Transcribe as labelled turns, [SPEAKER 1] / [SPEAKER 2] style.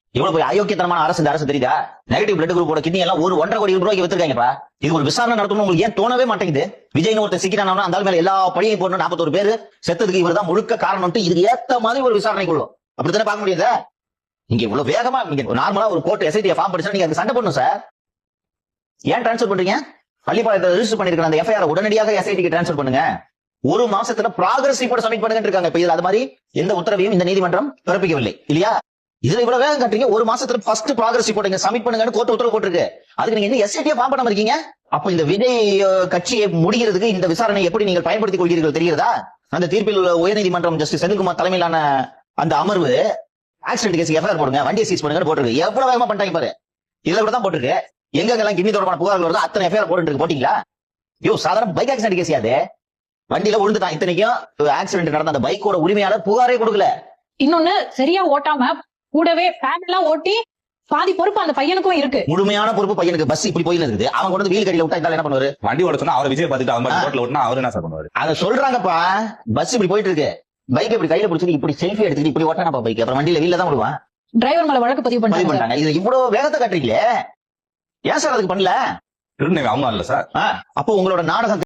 [SPEAKER 1] இவ்வளவு போய் அயோக்கியத்தனமான அரசு இந்த அரசு தெரியுதா? நெகட்டிவ் பிளட் குரூப்போட கிட்னி எல்லாம் 1.5 கோடி ரூபாய்க்கு வித்துருக்காங்கப்பா. இது ஒரு விசாரணை நடத்தணும் உங்களுக்கு ஏன் தோணவே மாட்டேங்குது? விஜய்னு ஒருத்தர் சிக்கிறானா அந்த மேல எல்லா பழியும் போடணும். 41 பேர் செத்ததுக்கு இவர் தான் முழுக்க காரணம். இதுக்கு ஏத்த மாதிரி ஒரு விசாரணை கொள்ளும். அப்படித்தானே பார்க்க முடியாது? இங்க இவ்வளவு வேகமா நீங்க நார்மலா ஒரு கோர்ட் எஸ்ஐடி ஃபார்ம் படிச்சா நீங்க அதுக்கு சண்டை பண்ணணும் சார். ஏன் டிரான்ஸ்பர் பண்றீங்க? பள்ளிப்பாளையத்தை ரெஜிஸ்டர் பண்ணிருக்கிற அந்த எஃப்ஐஆர் உடனடியாக எஸ்ஐடிக்கு டிரான்ஸ்பர் பண்ணுங்க. ஒரு மாசத்துல ப்ராகிரஸ் ரிப்போர்ட் சப்மிட் பண்ணுங்க இருக்காங்க. இப்ப இது அது மாதிரி எந்த உத்தரவையும் இந்த நீதிமன்றம் பிறப்பிக்கவில்லை இல்லையா? இதுல இவ்வளவு வேகம் கட்டுறீங்க. ஒரு மாசத்துல ஃபர்ஸ்ட் ப்ராகிரஸ் ரிப்போர்ட் சப்மிட் பண்ணுங்கன்னு கோர்ட் உத்தரவு போட்டிருக்கு. அதுக்கு நீங்க என்ன எஸ்ஐடியா ஃபார்ம் பண்ணாம இருக்கீங்க? அப்ப இந்த விஜய் கட்சியை முடிகிறதுக்கு இந்த விசாரணை எப்படி நீங்கள் பயன்படுத்திக் கொள்கிறீர்கள் தெரிகிறதா? அந்த தீர்ப்பில் உள்ள உயர்நீதிமன்றம் ஜஸ்டிஸ் செந்தில்குமார் தலைமையிலான அந்த அமர்வு ஆக்சிடென்ட் கேஸ் எஃப்ஐஆர் போடுங்க, வண்டியை சீஸ் பண்ணுங்கன்னு போட்டிருக்கு. எவ்வளவு வேகமா பண்ணிட்டாங்க பாரு. இதுல கூட தான் போட்டிருக்கு. எங்கெல்லாம் கிட்னி தொடர்பான புகார்கள் வருதோ அத்தனை எஃப்ஐஆர் போட்டு போட்டீங்களா? யோ சாதாரண பைக் ஆக்சிடென்ட் கேஸ் யாது? வண்டியில விழுந்துட்டான். இத்தனைக்கும் ஆக்சிடென்ட் நடந்த அந்த பைக்கோட உரிமையாளர் புகாரே கொடுக்கல.
[SPEAKER 2] இன்னொன்னு சரியா ஓட்டாம கூடவே ஃபேன் எல்லாம் ஓட்டி பாதி பொறுப்பு அந்த பையனுக்கும் இருக்கு.
[SPEAKER 1] முழுமையான பொறுப்பு பையனுக்கு. பஸ் இப்படி போயில இருக்குது. அவன் கொண்டு வீல் கடியில விட்டா என்ன பண்ணுவாரு?
[SPEAKER 3] வண்டி ஓட சொன்னா அவர் விஜய் பார்த்துட்டு அவன் ரோட்ல ஓட்டினா அவர் என்ன சார் பண்ணுவாரு?
[SPEAKER 1] அதை சொல்றாங்கப்பா. பஸ் இப்படி போயிட்டு இருக்கு, பைக் இப்படி கையில பிடிச்சி இப்படி செல்ஃபி எடுத்துட்டு இப்படி ஓட்டானப்பா பைக். அப்புறம் வண்டியில வீல்ல தான் விடுவான்.
[SPEAKER 2] டிரைவர் மேல வழக்கு பதிவு
[SPEAKER 1] பண்ணிட்டாங்க. இது இவ்வளவு வேகத்தை காட்டுறீங்களே, ஏன் சார் அதுக்கு பண்ணல?
[SPEAKER 3] அவங்க இல்ல சார்.
[SPEAKER 1] அப்போ உங்களோட நாடகம்